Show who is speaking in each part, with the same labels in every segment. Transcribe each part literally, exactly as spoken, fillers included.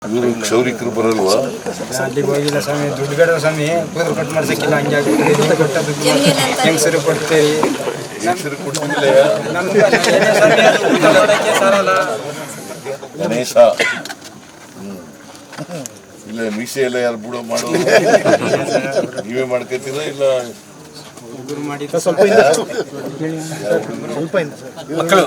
Speaker 1: ಇವರು ಕ್ಷೌರಿಕರು ಬರಲ್ವಾ?
Speaker 2: ಅಲ್ಲಿಗೆ ಹೋಗಿಲ್ಲ ಸ್ವಾಮಿ, ದುಡ್ಡು ಬೇಡ ಸ್ವಾಮಿ, ಕೂದಲು ಕಟ್ ಮಾಡ್ಸಕ್ಕಿಲ್ಲ, ಹಂಗೆ ಆಗ್ಬಿಟ್ಟಿದೆ. ದುಡ್ಡು ಕೊಟ್ಟದ್ದು ಹೆಂಗಸರು ಕೊಡ್ತೀವಿ,
Speaker 1: ಹೆಸರು ಕೊಟ್ಟಿಲ್ಲ.
Speaker 2: ನಮ್ಗೆ ಸ್ವಾಮಿ ಅದು ಊಟ ಮಾಡೋಕ್ಕೆ ಸಾರಲ್ಲ.
Speaker 1: ಗಣೇಶ ಇಲ್ಲ ಮೀಸೆ ಎಲ್ಲ ಯಾರು ಬುಡ ಮಾಡೋದು ನೀವೇ ಮಾಡ್ಕೊತೀರಾ ಇಲ್ಲ
Speaker 2: ಹುಡುಗರು ಮಾಡಿದ್ದು
Speaker 3: ಸ್ವಲ್ಪ ಸ್ವಲ್ಪ
Speaker 1: ಮಕ್ಕಳು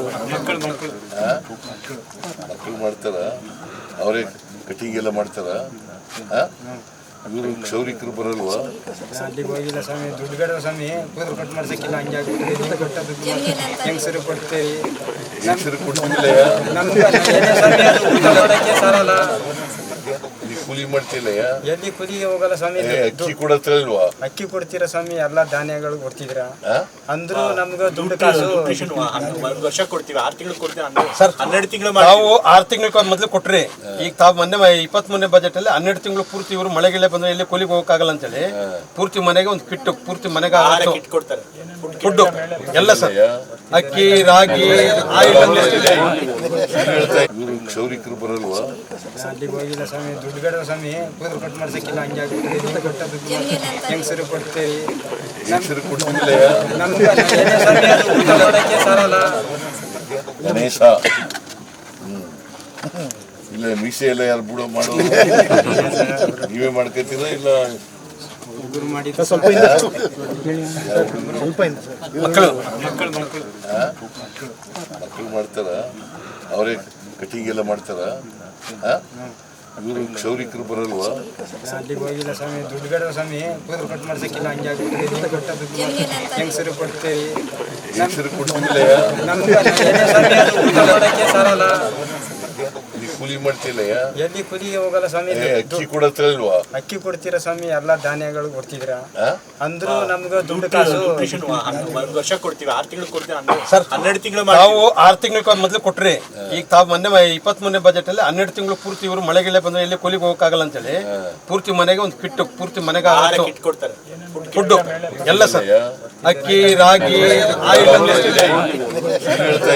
Speaker 1: ಮಕ್ಕಳು ಮಾಡ್ತಾರ? ಅವರೇ ಕಟಿಂಗ್ ಎಲ್ಲ ಮಾಡ್ತಾರ? ಇವರು ಕ್ಷೌರಿಕರು ಬರಲ್ವಾ?
Speaker 2: ಅಲ್ಲಿಗೆ ಹೋಗಿಲ್ಲ ಸ್ವಾಮಿ, ದುಡ್ಡು ಬೇಡ ಸ್ವಾಮಿ, ಕೂದಲು ಕಟ್ ಮಾಡ್ಸಕ್ಕಿಲ್ಲ, ಹಂಗೆ ಆಗ್ಬಿಟ್ಟಿದೆ. ದುಡ್ಡು ಕೊಟ್ಟದ್ದು ಹೆಂಗಸರು ಕೊಡ್ತೀವಿ,
Speaker 1: ಹೆಸರು ಕೊಟ್ಟಿಲ್ಲ.
Speaker 2: ನಮ್ಗೆ ಸ್ವಾಮಿ ಅದು ಊಟ ಮಾಡೋಕ್ಕೆ ಸಾರಲ್ಲ.
Speaker 1: ನೀವು ಕೂಲಿ ಮಾಡ್ತಿಲ್ಲ?
Speaker 2: ಎಲ್ಲಿ ಕುಲಿಗೆ ಹೋಗಲ್ಲ ಸ್ವಾಮಿ.
Speaker 1: ಅಕ್ಕಿ ಕೊಡತ್ತಲ್ವಾ?
Speaker 2: ಅಕ್ಕಿ ಕೊಡ್ತೀರಾ ಸ್ವಾಮಿ, ಎಲ್ಲ ಧಾನ್ಯಗಳು ಕೊಡ್ತಿದ್ರ ಅಂದ್ರು ನಮ್ಗೆ ದುಡ್ಡು ಕಾಸು
Speaker 3: ವರ್ಷ ಕೊಡ್ತೀವಿ, ಆರು ತಿಂಗಳು ಕೊಡ್ತೀವಿ ಸರ್. ಹನ್ನೆರಡು ತಿಂಗಳು ನಾವು ಆರು ತಿಂಗಳ ಮೊದಲು ಕೊಟ್ರಿ. ಈಗ ತಾವು ಮೊನ್ನೆ ಇಪ್ಪತ್ತ್ ಮೂರನೇ ಬಜೆಟ್ ಅಲ್ಲಿ ಹನ್ನೆರಡು ತಿಂಗಳು ಪೂರ್ತಿ ಇವರು ಮಳೆಗೆಲ್ಲ ಬಂದ್ರೆ ಇಲ್ಲಿ ಕೂಲಿಗೆ ಹೋಗಕ್ಕಾಗಲ್ಲ ಅಂತೇಳಿ ಪೂರ್ತಿ ಮನೆಗೆ ಒಂದು ಕಿಟ್ಟು ಪೂರ್ತಿ ಮನೆಗೆ ಕೊಡ್ತಾರೆ. ಫುಡ್ಡು ಎಲ್ಲ ಸರ್, ಅಕ್ಕಿ, ರಾಗಿ, ಆಯಿಲ್.
Speaker 1: ಇವರು ಕ್ಷೌರಿಕರು ಬರಲ್ವಾ?
Speaker 2: ಅಲ್ಲಿಗೆ ಹೋಗಿಲ್ಲ ಸ್ವಾಮಿ, ದುಡ್ಡು ಬೇಡ ಸ್ವಾಮಿ, ಕೂದಲು ಕಟ್ ಮಾಡ್ಸಕ್ಕಿಲ್ಲ, ಹಂಗೆ ಆಗ್ಬಿಟ್ಟಿದೆ. ದುಡ್ಡು ಕೊಟ್ಟದ್ದು ಹೆಂಗಸರು ಕೊಡ್ತೀವಿ,
Speaker 1: ಹೆಸರು ಕೊಟ್ಟಿಲ್ಲ.
Speaker 2: ನಮ್ಗೆ ಸ್ವಾಮಿ ಅದು ಊಟ ಮಾಡೋಕ್ಕೆ ಸಾರಲ್ಲ.
Speaker 1: ಗಣೇಶ ಇಲ್ಲ ಮೀಸೆ ಎಲ್ಲ ಯಾರು ಬುಡ ಮಾಡೋದು ನೀವೇ ಮಾಡ್ಕೊತೀರಾ ಇಲ್ಲ
Speaker 2: ಹುಡುಗರು ಮಾಡಿದ್ದು
Speaker 3: ಸ್ವಲ್ಪ ಸ್ವಲ್ಪ
Speaker 1: ಮಕ್ಕಳು ಮಕ್ಕಳು ಮಾಡ್ತಾರ? ಅವರೇ ಕಟಿಂಗ್ ಎಲ್ಲ ಮಾಡ್ತಾರ? ಇವರು ಕ್ಷೌರಿಕರು ಬರಲ್ವಾ?
Speaker 2: ಅಲ್ಲಿಗೆ ಹೋಗಿಲ್ಲ ಸ್ವಾಮಿ, ದುಡ್ಡು ಬೇಡ ಸ್ವಾಮಿ, ಕೂದಲು ಕಟ್ ಮಾಡ್ಸಕ್ಕಿಲ್ಲ, ಹಂಗೆ ಆಗ್ಬಿಟ್ಟಿದೆ. ದುಡ್ಡು ಕೊಟ್ಟದ್ದು ಹೆಂಗಸರು ಕೊಡ್ತೀವಿ,
Speaker 1: ಹೆಸರು ಕೊಟ್ಟಿಲ್ಲ.
Speaker 2: ನಮ್ಗೆ ಸ್ವಾಮಿ ಅದು ಊಟ ಮಾಡೋಕ್ಕೆ ಸಾರಲ್ಲ.
Speaker 1: ನೀವು ಕೂಲಿ ಮಾಡ್ತಿಲ್ಲ?
Speaker 2: ಎಲ್ಲಿ ಕುಲಿಗೆ ಹೋಗಲ್ಲ ಸ್ವಾಮಿ.
Speaker 1: ಅಕ್ಕಿ ಕೊಡತ್ತಲ್ವಾ?
Speaker 2: ಅಕ್ಕಿ ಕೊಡ್ತೀರಾ ಸ್ವಾಮಿ, ಎಲ್ಲ ಧಾನ್ಯಗಳು ಕೊಡ್ತಿದ್ರ ಅಂದ್ರು ನಮ್ಗೆ ದುಡ್ಡು ಕಾಸು
Speaker 3: ವರ್ಷ ಕೊಡ್ತೀವಿ, ಆರು ತಿಂಗಳು ಕೊಡ್ತೀವಿ ಸರ್. ಹನ್ನೆರಡು ತಿಂಗಳು ನಾವು ಆರು ತಿಂಗಳ ಮೊದಲು ಕೊಟ್ರಿ. ಈಗ ತಾವು ಮೊನ್ನೆ ಇಪ್ಪತ್ತ್ ಮೂರನೇ ಬಜೆಟ್ ಅಲ್ಲಿ ಹನ್ನೆರಡು ತಿಂಗಳು ಪೂರ್ತಿ ಇವರು ಮಳೆಗೆಲ್ಲ ಬಂದ್ರೆ ಇಲ್ಲಿ ಕೂಲಿಗೆ ಹೋಗಕ್ಕಾಗಲ್ಲ ಅಂತೇಳಿ ಪೂರ್ತಿ ಮನೆಗೆ ಒಂದು ಕಿಟ್ಟು ಪೂರ್ತಿ ಮನೆಗೆ ಕೊಡ್ತಾರೆ. ಫುಡ್ಡು ಎಲ್ಲ ಸರ್, ಅಕ್ಕಿ, ರಾಗಿ, ಆಯಿಲ್.